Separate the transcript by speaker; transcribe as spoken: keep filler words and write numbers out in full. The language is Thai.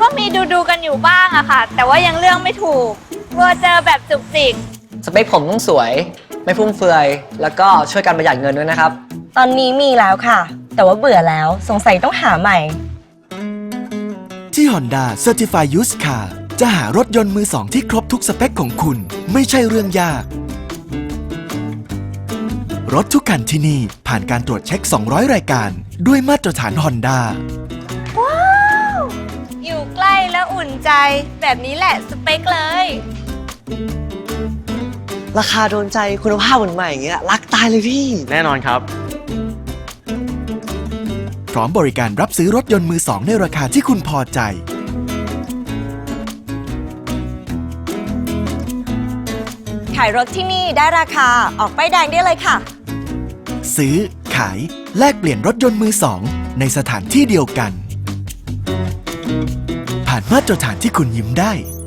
Speaker 1: ก็มีดูดูกันอยู่บ้างอะค่ะแต่ว่ายังเลือกไม่ถูกกลัวเจอแบบจุกจิก
Speaker 2: สเปคผมต้องสวยไม่ฟุ่มเฟือยแล้วก็ช่วยกันประหยัดเงินด้วยนะครับ
Speaker 3: ตอนนี้มีแล้วค่ะแต่ว่าเบื่อแล้วสงสัยต้องหาใหม่
Speaker 4: ที่ Honda Certified Used Car จะหารถยนต์มือสองที่ครบทุกสเปคของคุณไม่ใช่เรื่องยากรถทุกคันที่นี่ผ่านการตรวจเช็คสองร้อยรายการด้วยมาตรฐาน Honda
Speaker 1: ว้าวอยู่ใกล้แล้วอุ่นใจแบบนี้แหละสเปคเลย
Speaker 2: ราคาโดนใจคุณภาพเหมือนใหม่อย่างเงี้ยรักตายเลยพี่
Speaker 5: แน่นอนครับ
Speaker 4: พร้อมบริการรับซื้อรถยนต์มือสองในราคาที่คุณพอใจ
Speaker 3: ขายรถที่นี่ได้ราคาออกป้ายแดงได้เลยค่ะ
Speaker 4: ซื้อขายแลกเปลี่ยนรถยนต์มือสองในสถานที่เดียวกันผ่านมาตรฐานที่คุณยิ้มได้